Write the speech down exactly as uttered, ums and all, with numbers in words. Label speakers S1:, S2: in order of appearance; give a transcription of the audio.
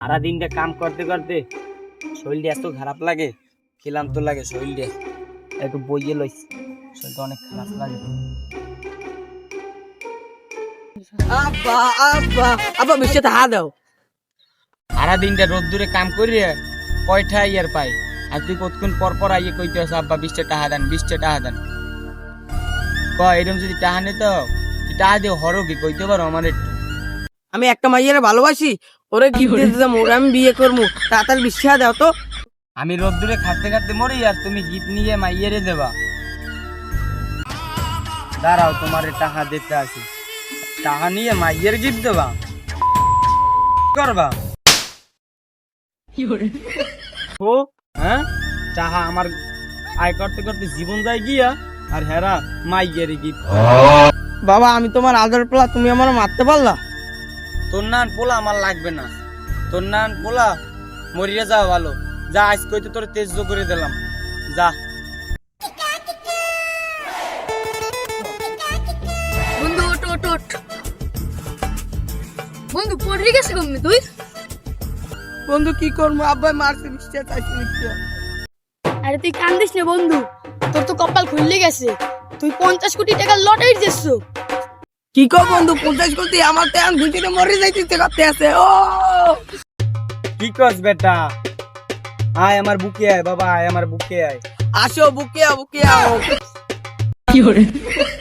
S1: সারা দিনটা কাম করতে করতে শরীরটা এত খারাপ লাগে, ক্লান্ত লাগে শরীরটা, একটু বইয়ে লইছি, শরীরটা অনেক খারাপ লাগে।
S2: আব্বা আব্বা আব্বা মিষ্টি হা দাও।
S1: সারা দিনটা রোদ্দুরে কাম করিয়ে কয়টা ইয়ার পাই, আর তুই কতক্ষণ পর পর আইয়ে কইতে আস আব্বা বিশটা টাকা দেন, বিশটা টাকা দেন। ক এরকম যদি টাকা নিত তুই টাকা দিয়ে হরো কি কইতে পারো আমার একটু?
S2: আমি একটা মাইয়ারে ভালোবাসি, ওরে গিফট দিতে যাবো, ওরে আমি বিয়ে করবো, তাড়াতাড়ি মিষ্টি হা দাও তো।
S1: আমি রোদ্দুরে খাটতে খাটতে মরি আর তুমি গিফট নিয়ে মাইয়েরে দেবা? দাঁড়াও তোমার টাকা দিতে আসি, টাকা নিয়ে মাইয়ের গিফট দেবা করবা? ও হ্যাঁ, টাকা আমার আয় করতে করতে জীবন যায় গিয়া, আর হেরা মাইয়ের গিফট।
S2: বাবা আমি তোমার আদর পোলা, তুমি আমার মারতে পারলা?
S1: তোর নান পোলা আমার লাগবে না, তোর নান পোলা মরিয়া যাওয়া ভালো। যা আজ কইতে তোর তেজ করে দিলাম, যা।
S3: বন্ধু ওট ওট ওট বন্ধু পড়ে গেছে কমনি তুই?
S2: বন্ধু কি করবো, আব্বা মারছে, মিষ্টি চাইছি মিষ্টি।
S3: আরে তুই কান্দিস না বন্ধু, তোর তো কপাল খুললে গেছে, তুই পঞ্চাশ কোটি টাকার লটারি দিচ্ছো।
S2: কি কর বন্ধু, পঞ্চাশ কোটি আমার তো এখন দুইটা মরে যাইতে করতে আছে। ও
S1: কি কস বেটা, আয় আমার বুকে আয় বাবা, আয় আমার বুকে আয়।
S2: আসো বুকে আও বুকে আও।